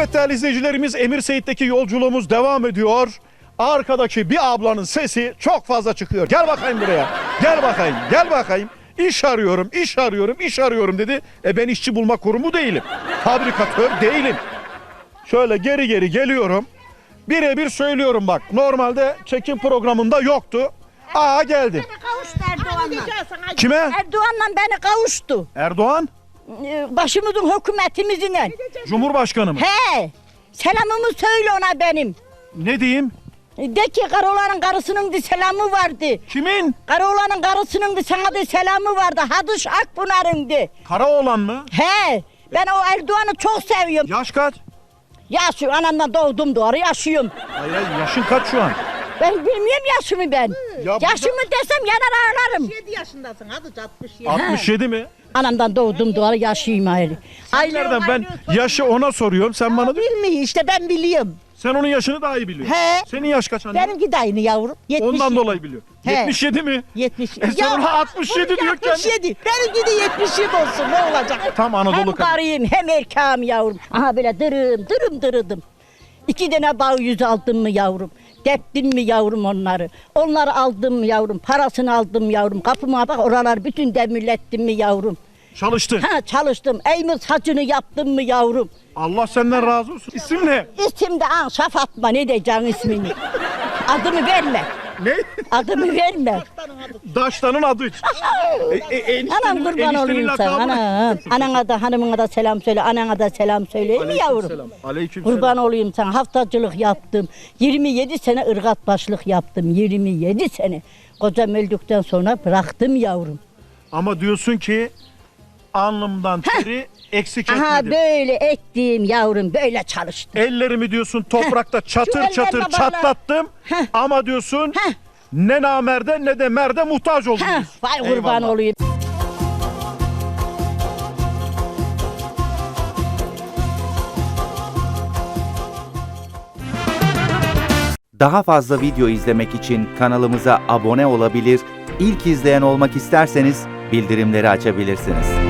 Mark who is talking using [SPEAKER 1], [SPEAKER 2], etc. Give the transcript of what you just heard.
[SPEAKER 1] Evet değerli izleyicilerimiz, Emir Seyit'teki yolculuğumuz devam ediyor. Arkadaki bir ablanın sesi çok fazla çıkıyor. Gel bakayım buraya. Gel bakayım. Gel bakayım. İş arıyorum, iş arıyorum, iş arıyorum dedi. Ben işçi bulma kurumu değilim. Fabrikatör değilim. Şöyle geri geri geliyorum. Birebir söylüyorum bak. Normalde çekim programında yoktu. Aa geldi.
[SPEAKER 2] Beni kavuştu Erdoğan'la.
[SPEAKER 1] Kime?
[SPEAKER 2] Erdoğan'la beni kavuştu.
[SPEAKER 1] Erdoğan?
[SPEAKER 2] Başımızın hükümetimizle.
[SPEAKER 1] Cumhurbaşkanı mı?
[SPEAKER 2] He. Selamımı söyle ona benim.
[SPEAKER 1] Ne diyeyim?
[SPEAKER 2] De ki Karaoğlan'ın karısının da selamı vardı.
[SPEAKER 1] Kimin?
[SPEAKER 2] Karaoğlan'ın karısının da sana da selamı vardı. Hadış Akpınar'ın da.
[SPEAKER 1] Karaoğlan mı?
[SPEAKER 2] He. Ben o Erdoğan'ı çok seviyorum.
[SPEAKER 1] Yaş kaç?
[SPEAKER 2] Yaşıyorum. Anamdan doğdum doğru yaşıyorum.
[SPEAKER 1] Hayır, yaşın kaç şu an?
[SPEAKER 2] Ben bilmiyorum yaşımı ben.
[SPEAKER 1] Ya
[SPEAKER 2] Yaşımı desem yanar ağlarım.
[SPEAKER 3] 67 yaşındasın hadi 67.
[SPEAKER 1] 67 mi?
[SPEAKER 2] Anamdan doğdum doğru yaşayayım ayrı.
[SPEAKER 1] Nereden ben yaşı ona soruyorum, sen bana diyor.
[SPEAKER 2] Bilmiyor işte ben biliyorum.
[SPEAKER 1] Sen onun yaşını daha iyi biliyorsun.
[SPEAKER 2] He.
[SPEAKER 1] Senin yaş kaç anne?
[SPEAKER 2] Benimki de aynı yavrum. 70.
[SPEAKER 1] Ondan dolayı biliyor.
[SPEAKER 2] He.
[SPEAKER 1] 77 mi?
[SPEAKER 2] 70.
[SPEAKER 1] Sen ona 67 diyor kendi.
[SPEAKER 2] 67. Benimki de 77 olsun ne olacak?
[SPEAKER 1] Tam Anadolu
[SPEAKER 2] Hem
[SPEAKER 1] kadın.
[SPEAKER 2] karıyım hem erkeğim yavrum. Aha böyle dırım. 2 tane bağ yüz aldım mı yavrum? Deptim mi yavrum onları? Onları aldım mı yavrum? Parasını aldım yavrum. Kapıma bak oralar bütün demirlettim mi yavrum?
[SPEAKER 1] Çalıştın.
[SPEAKER 2] Ha çalıştım. Eymir saçını yaptım mı yavrum?
[SPEAKER 1] Allah senden razı olsun. İsim ne?
[SPEAKER 2] İsim de Anşa Fatma, ne diyeceksin ismini? Adımı verme.
[SPEAKER 1] Ne?
[SPEAKER 2] Adımı verme.
[SPEAKER 1] Daştanın adı.
[SPEAKER 2] Anam kurban olayım sana. Anana da hanımına da selam söyle. Anana da selam söyle. Mi yavrum?
[SPEAKER 1] Aleykümselam.
[SPEAKER 2] Kurban olayım sana. Haftacılık yaptım. 27 sene ırgat başlık yaptım. 27 sene. Kocam öldükten sonra bıraktım yavrum.
[SPEAKER 1] Ama diyorsun ki alnımdan teri eksik
[SPEAKER 2] Aha
[SPEAKER 1] etmedim.
[SPEAKER 2] böyle ektim yavrum. Böyle çalıştım.
[SPEAKER 1] Ellerimi diyorsun toprakta çatır
[SPEAKER 2] ellerine
[SPEAKER 1] çatır
[SPEAKER 2] bak
[SPEAKER 1] çatlattım.
[SPEAKER 2] Heh.
[SPEAKER 1] Ama diyorsun
[SPEAKER 2] Heh.
[SPEAKER 1] ne namerde ne de merde muhtaç oldum.
[SPEAKER 2] Heh, vay kurban
[SPEAKER 1] Eyvallah.
[SPEAKER 2] olayım.
[SPEAKER 4] Daha fazla video izlemek için kanalımıza abone olabilir, ilk izleyen olmak isterseniz bildirimleri açabilirsiniz.